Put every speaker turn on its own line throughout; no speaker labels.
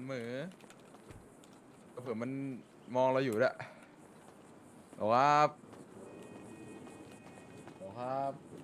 เหมือเผื่อมันมองเราอยู่ด้วยบอกว่าบอกครับ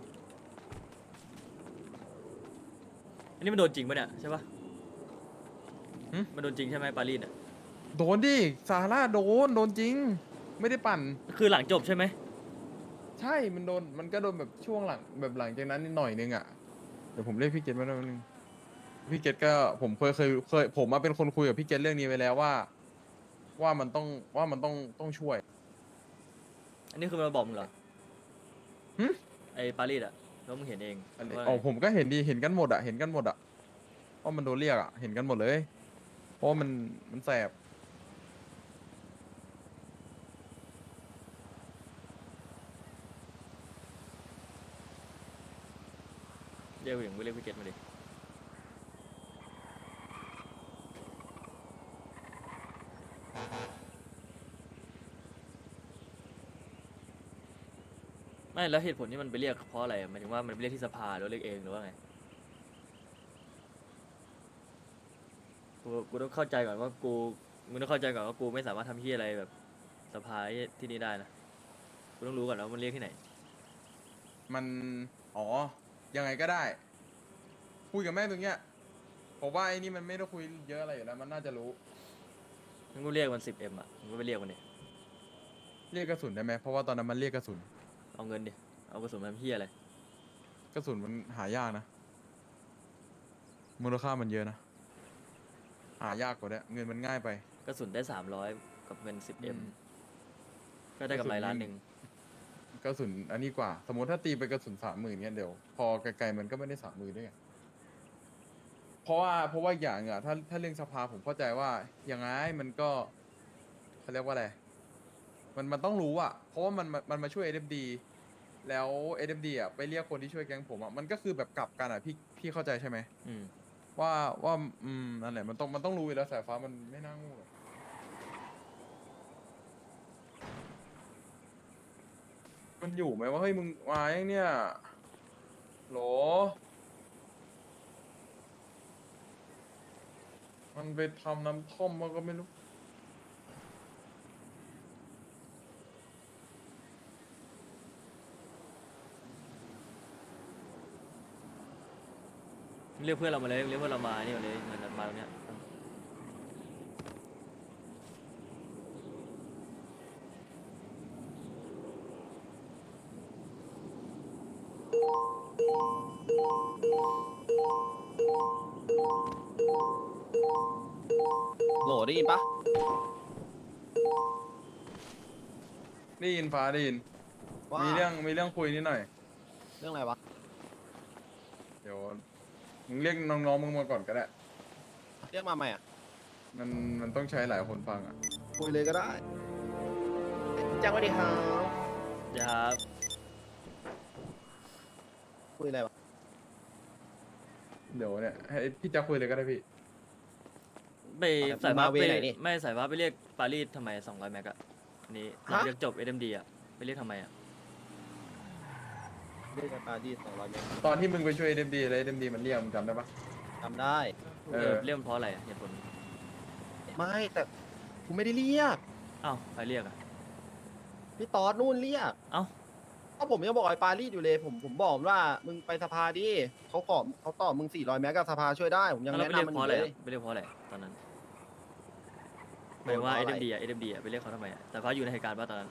อันนี้มันโดนจริงปะเนี่ยใช่ปะ
หึ
มันโดนจริงใช่ไหมปารีสอ่ะ
โดนดิซาร่าโดนจริงไม่ได้ปั่น
คือหลังจบใช่ไหม
ใช่มันโดนมันก็โดนแบบช่วงหลังแบบหลังจากนั้นนิดหน่อยนึงอ่ะเดี๋ยวผมเรียกพี่เกตมาหน่อยนึงพี่เกตก็ผมเคยผมมาเป็นคนคุยกับพี่เกตเรื่องนี้ไปแล้วว่ามันต้องว่ามันต้องช่วย
อันนี้คือมันมาบอกมึงเหรอ
หึ
ไอ้ปารีสอ่ะแล้วมึงเห็นเอง
อันนี้
ว่าไง
อ๋อผมก็เห็นดีเห็นกันหมดอ่ะเห็นกันหมดอ่ะว่ามันโดนเรียกอ่ะเห็นกันหมดเลยเพราะว่ามันแสบ
เรียกอย่างกูเรียกพี่เกตมาดิไม่แล้วเหตุผลที่มันไปเรียกเพราะอะไรอะหมายถึงว่ามันไปเรียกที่สภาหรือว่าเรียกเองหรือว่าไงกูต้องเข้าใจก่อนว่ามึงต้องเข้าใจก่อนว่ากูไม่สามารถทำที่อะไรแบบสภาที่นี่ได้นะกูต้องรู้ก่อนแล้วามันเรียกที่ไหน
มันอ๋อยังไงก็ได้คุยกับแม่งตรงเนี้ยผมว่าไอ้นี่มันไม่ได้คุยเยอะอะไรอยู่แล้วมันน่าจะรู้
มึงก็เรียกมัน10Mอ่ะมึงก็ไปเรียกมันดิ
เรียกกระสุนได้ไหมเพราะว่าตอนนั้นมันเรียกกระสุน
เอาเงินดิเอากระสุนมาทำเฮียอะไร
กระสุนมันหายากนะมูลค่ามันเยอะนะหายากกว่าด้วยเงินมันง่ายไป
กระสุนได้300กับเงิน
อื
10M
ม
ก็ได้กำไร1 ล้าน
กระสุนอันนี้กว่า สมมติถ้าตีไปกระสุน30,000เนี่ยเดี๋ยวพอไกลๆมันก็ไม่ได้30,000ด้วยไงเพราะว่าอย่างอ่ะถ้าเรื่องสภาผมเข้าใจว่ายังไงมันก็เขาเรียกว่าอะไรมันต้องรู้อ่ะเพราะว่ามันมาช่วย SMD แล้ว SMD อ่ะไปเรียกคนที่ช่วยแก๊งผมอ่ะมันก็คือแบบกลับกันอ่ะพี่เข้าใจใช่ไหม
อืม
ว่าว่านั่นแหละมันต้องรู้อยู่แล้วสายฟ้ามันไม่น่าโงูหรอกมันอยู่ไหมว่าเฮ้ยมึงมายังเนี่ยโหลมันไปทำน้ำท่อมมันก็ไม่รู้
เรียกเพื่อนเรามาเลยเรียกเพื่อนเรามานี่มาเลยเงินมาตรงเนี้ย
โหลได้ยินปะ
ได้ยินฟ้าได้ยิน
ว่า
มีเรื่องคุยนิดหน่อย
เรื่องอะไรวะ
เดี๋ยวมึงเรียกน้องๆมึงมาก่อนก็ได้
เรียกมาใหม่อ่ะ
มันต้องใช้หลายคนฟังอ่ะ
คุยเลยก็ได้แจ้งสวัสดีครับ
อย่า
คุยอะไรวะ
เดี๋ยวเนี่ยให้พี่จะคุยเลยก็ได้พี่
ไปสายฟ้า
มาเว
ไป
ไหนนี่
ไม่สายฟ้าไปเรียกปารีสทำไม200แม็กอะอันนี้หลัง
ฮะ
จากจบ SMD อะไปเรียกทำไมอะ
เรียกกันปาดี200 เมตร
ตอนที่มึงไปช่วย SMD แล้ว SMD มันเรียกมึงจำได้ปะ
จำได้
เออ
เรียกมันเพราะอะไรอะเหตุผล
ไม่แต่กูไม่ได้เรียก
อ้าวใครเรียกอะ
พี่ตอดนู่นเรียก
เอ้า
ก็ผมยังบอกไอ้ปารีสอยู่เลยผมบอกว่ามึงไปสภาดิเขาตอบมึง400 เมตรกับสภาช่วยได้ผมยัง
แล้ว
แนะ
ไปเรียก
นำมัน
เพ
อ
ราะ
ยู่
อะไร
เลย
อะไปเรียกเพราะอะไรตอนนั้นหมายถึงว่า
เพราะอะไร
SMD อะไปเรียกเขาทำไมอะแต่ฟ้าอยู่ในเหตุการณ์ป่ะตอนนั้น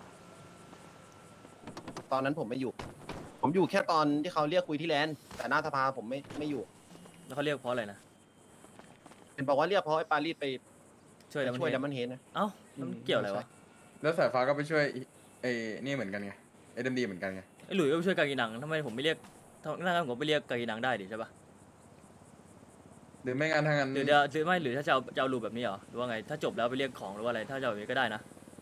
ตอนนั้นผมไม่อยู่ ผมอยู่แค่ตอนที่เขาเรียกคุยที่แลนด์แต่หน้าสภาผมไม่อยู่
แล้วเขาเรียกเพราะอะไรนะ
เป็นบอกว่าเรียกเพราะไอ้ปารีสไป
ช่วย
ไป
แล้วมัน
ช่วย
เห็
ดั
น
มมันเฮดนะ
เอ้าแล้วมันเกี่ยวอะไรวะ
แล้วสายฟ้าก็ไปช่วยไอ้นี่เหมือนกันไง SMD เหมือนกันไง
ไอ้หลุยส์ก็ไปช่วยกากีนังทำไมผมไม่เรียกถ้างั้นผมไปเรียกกากีนังได้ดิใช่ปะ
หรือไม่งั้นทางนั้น
หรือไม่หรือถ้าจะเอารูปแบบนี้เหรอหรือว่าไงถ้าจบแล้วไปเรียกของหรือว่าอะไรถ้าจะเอาแบบนี้ก็ได้นะ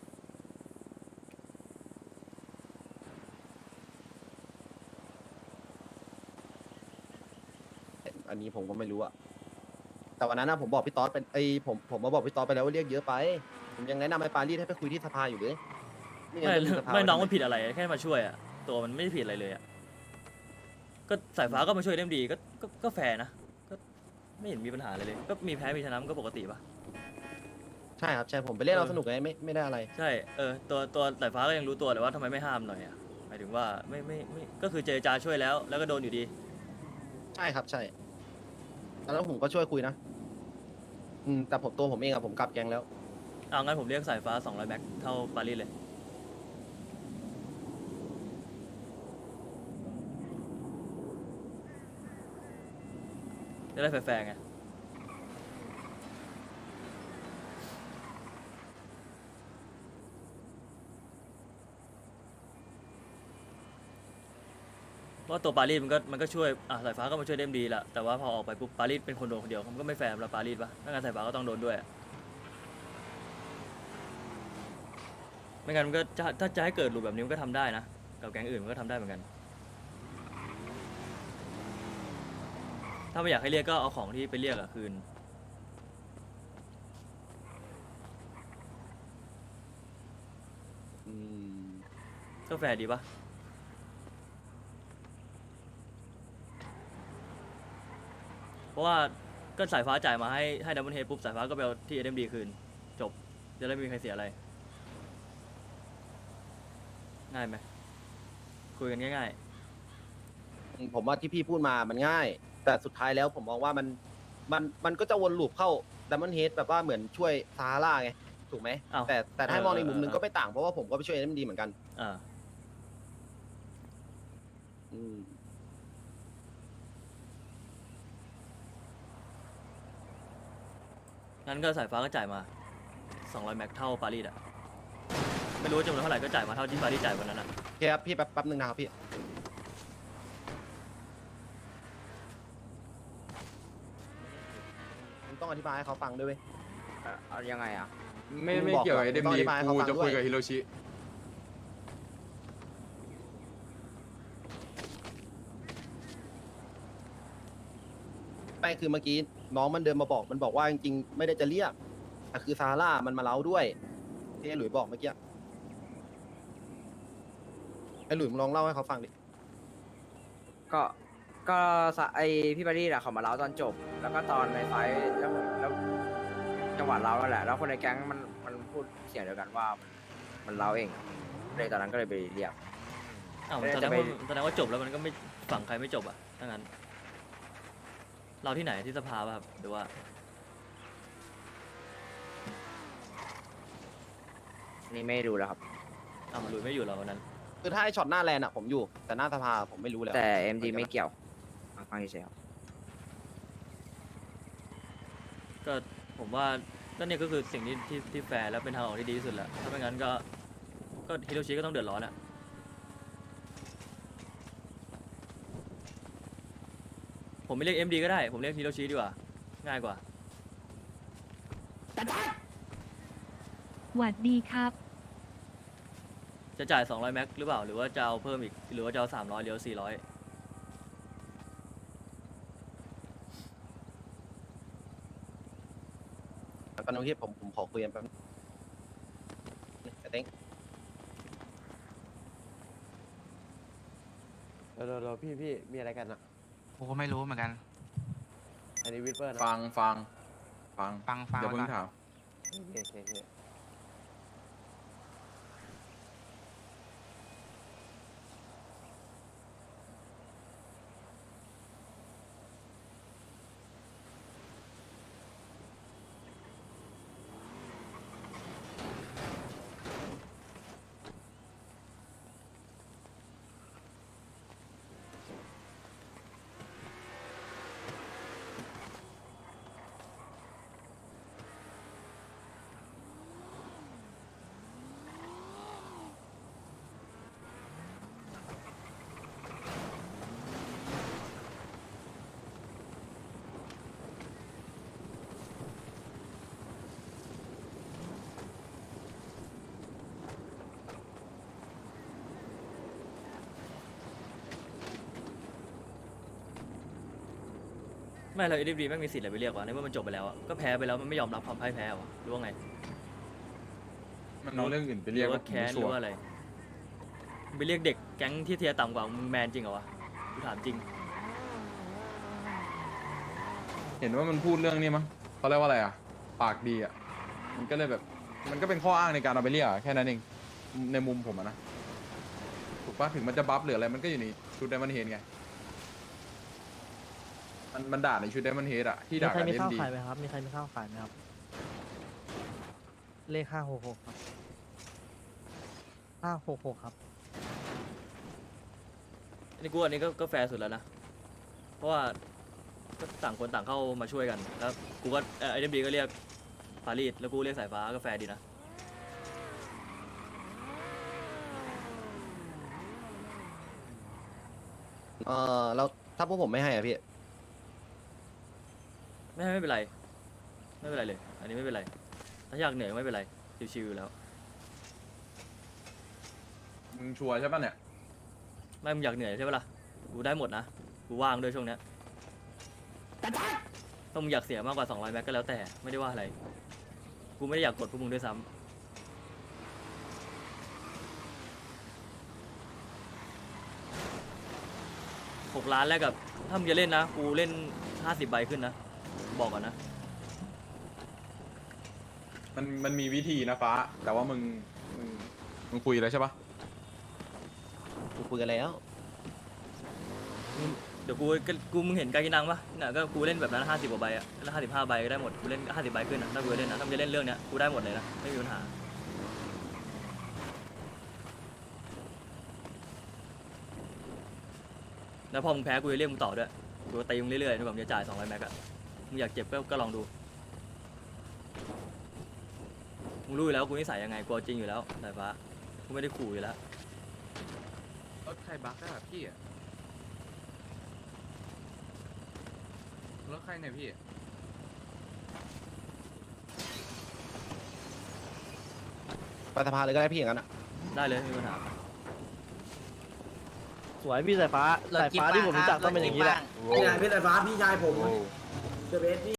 อันนี้ผมก็ไม่รู้อะแต่วันนั้นนะผมบอกพี่ต๊อดเป็นผมมาบอกพี่ต๊อดไปแล้วว่าเรียกเยอะไป ผมยังแนะนำไอ้ปารีสให้ไปคุยที่สภาอยู่เลยงั้น
ไม่
จะมีสภา
ไม่น้อง
ว้
มันผิดอะไรแค่มาช่วยอะตัวมันไม่ได้ผิดอะไรเลยอะก็สายฟ้าก็มาช่วยเล่มดีก็แฟร์นะก็ไม่เห็นมีปัญหาอะไรเลยก็มีแพ้มีชนะมันก็ปกติปะ
ใช่ครับใช่ผมไปเล่นเอาสนุกไงไม่ได้อะไร
ใช่ตัวสายฟ้าก็ยังรู้ตัวแต่ว่าทำไมไม่ห้ามหน่อยอ่ะหมายถึงว่าไม่ก็คือเจรจาช่วยแล้วก็โดนอยู่ดี
ใช่ครับใช่แล้วผมก็ช่วยคุยนะแต่ตัวผมเองอะผมกลับแกงแล้ว
เอางั้นผมเรียกสายฟ้า200แม็กเท่าปารีสเลยจะได้แฟร์ๆไงเพราะว่าตัวปารีสมันก็ช่วยสายฟ้าก็มาช่วยเดมดีแหละแต่ว่าพอออกไปปุ๊บปารีสเป็นคนโดนคนเดียวมันก็ไม่แฟร์สำหรับปารีสปะถ้างั้นสายฟ้าก็ต้องโดนด้วยอะไม่งั้นมันก็ถ้าจะให้เกิดรูปแบบนี้มันก็ทำได้นะกับแก๊งอื่นมันก็ทำได้เหมือนกันถ้าไม่อยากให้เรียกก็เอาของที่ไปเรียกอะคืน
อืม
ก็แฟร์ดีปะเพราะว่าก็สายฟ้าจ่ายมาให้ดับเบิลเฮดปุ๊บสายฟ้าก็ไปเอาที่เอ็มดีคืนจบจะได้ไม่มีใครเสียอะไรง่ายไหมคุยกันง่าย
ผมว่าที่พี่พูดมามันง่าย แต่สุดท้ายแล้วผมมองว่ามันก็จะวนลูปเข้าดัมเบิลเฮดแบบว่าเหมือนช่วยซาร่าไงถูกไหม
อ้าว
แต่ถ้ามองในมุมหนึง
เออ
ก็ไม่ต่างเพราะว่าผมก็ไปช่วยเอ็มดีเหมือนกัน
อ่า
อืม
งั้นก็สายฟ้าก็จ่ายมา200แม็กเท่าปารีสอะไม่รู้ว่าจำนวนเท่าไหร่ก็จ่ายมาเท่าที่ปารีสจ่ายวันนั้นอะ
โอเคครับพี่แป๊บนึงนะครับพี่ผมต้องอธิบายให้เขาฟังด้วยเว้ย
เอายังไงอ่ะ
ไม่
มึง
ไม่
บอก
เกี่ยวกับ
ก่อน
เอ็ม
ต้องอ
ดี
ธิบายให้เขา
กู
ฟัง
จะคุย
ด้วย
กับฮิโรชิ
ไม่คือเมื่อกี้น้องมันเดินมาบอกมันบอกว่าจริงๆไม่ได้จะเรียกแต่คือซาร่ามันมาเล้าด้วยที่ไอ้หลุยบอกเมื่อกี้ไอ้หลุยมึงลองเล่าให้เขาฟังดิ
ก็ก็ไอพี่บารี่อะเขามาเล่าตอนจบ แล้วก็ตอนในไฟท์แล้วจังหวะเล่านั่นแหละ แล้วคนในแก๊งมันพูดเสียงเดียวกันว่ามันเล่าเองเลยตอนนั้นก็เลยไปเรียก
อ้าว
เอ๊ะ
แสด
จะ
ง
ไป
ว่าแสดงว่าจบแล้วมันก็ไม่ฝั่งใครไม่จบอะถ้างั้นเราที่ไหนที่สภาป่ะครับหรือว่า
นี่ไม่ดูแล้วครับ
อ้าวหลุยไม่อยู่เหรอวันนั้น
คือถ้าไอ้ช็อตหน้าแลนอะผมอยู่ แต่หน้าสภาผมไม่รู้แล้ว
แต่ MD ไม่เกี่ยวฟังเฉยๆครับ
ก็ผมว่าก็เนี่ยก็คือสิ่งที่แฟร์แล้วเป็นทางออกที่ดีที่สุดแหละถ้าไม่งั้นก็ฮิโรชิก็ต้องเดือดร้อนอะผมไม่เรียก MD ก็ได้ผมเรียกฮิโรชิดีกว่าง่ายกว่า
หวัดดีครับ
จะจ่าย200แม็กหรือเปล่าหรือว่าจะเอาเพิ่มอีกหรือว่าจะเอา300หรือ400
ตอนนี้ผมขอคุยกันแป๊บนึงไอ้เต้ง
เราพี่มีอะไรกันอ่ะ
ผมก็ไม่รู้เหมือนกัน
อันนี้วิทเปอร์นะ
ฟัง
ฟัง
อย่าเพิ่ง
ก่อน
ถาม
โอเค
ไม่เรา MD แม่งมีสิทธิ์อะไรไปเรียกวะในเมื่อมันจบไปแล้วอะก็แพ้ไปแล้วมันไม่ยอมรับความพ่ายแพ้วะหรือว่าไง
มันเอาเรื่องอื่นไป
ห
เรี
รื
ยก
อว่าแค้นห
ชั
รื
ว
อว่าอะไรไปเรียกเด็กแก๊งที่เทียร์ต่ำกว่ามึงแมนจริงเหรอวะกูถามจริง
เห็นว่ามันพูดเรื่องนี้มั้งเขาเรียกว่าอะไรอ่ะปากดีอ่ะมันก็เลยแบบมันก็เป็นข้ออ้างในการเอาไปเรียกอะแค่นั้นเองในมุมผมอะนะถูกปะถึงมันจะบัฟหรืออะไรมันก็อยู่ในชุดไดมอนเฮดไงมันด่าในชุดไดมอนเฮดอะที่
มี
ด่า
ใคร
กับ
มี
เอ็
ข้าว
มดี
ขายไหมครับ มีใครมีข้าวขายไหมครับ เลข566ครับ566ครับ
อันนี้ก็แฟร์สุดแล้วนะ เพราะว่าก็ต่างคนต่างเข้ามาช่วยกัน แล้วกูก็ไอเดมดีก็เรียกปารีสแล้วกูเรียกสายฟ้าก็แฟร์ดีนะ
แล้วถ้าพวกผมไม่ให้อ่ะพี่
ไม่เป็นไร ไม่เป็นไรเลย อันนี้ไม่เป็นไร ถ้าอยากเหนื่อยก็ไม่เป็นไร ชิวๆอยู่แล้ว
มึงชัวร์ใช่ปะเนี่ย
ไม่มึงอยากเหนื่อยใช่ปะล่ะ กูได้หมดนะ กูว่างด้วยช่วงเนี้ยถ้ามึงอยากเสียมากกว่า200แม็กก็แล้วแต่ ไม่ได้ว่าอะไร กูไม่ได้อยากกดพวกมึงด้วยซ้ำ6 ล้านแรกกับ ถ้ามึงจะเล่นนะ กูเล่น50 ใบขึ้นนะ บอกก่อนนะ
มันมีวิธีนะฟ้า แต่ว่ามึงคุยแล้วใช่ปะ
กูคุยกันแล้ว
เดี๋ยวกูมึงเห็นการกินนังปะน่ะก็กูเล่นแบบนั้น50 กว่าใบอะแล้ว55 ใบก็ได้หมด กูเล่น50 ใบขึ้นนะถ้ากูจะเล่นนะถ้ามึงจะเล่นเรื่องเนี้ยกูได้หมดเลยนะ ไม่มีปัญหา แล้วพอมึงแพ้กูจะเรียกมึงต่อด้วย กูจะตีมึงเรื่อยๆจนกว่ามึงจะจ่าย200แม็กอะมึงอยากเจ็บก็ลองดู มึงรู้อยู่แล้วกูนิสัยยังไง กูเอาจริงอยู่แล้วสายฟ้า กูไม่ได้ขู่อยู่แล้ว
รถใครบักอะพี่อะรถใครเนี่ยพี่
ไปสภาเลยก็ได้พี่อย่างนั้นอ่ะ
ได้เลยไม่มีปัญหา
สวยพี่สายฟ้า สายฟ้าที่ผมรู้จักต้องเป็นอย่างนี้แหละ
นี่ไงพี่สายฟ้าพี่ชายผมเดอะเบสพี่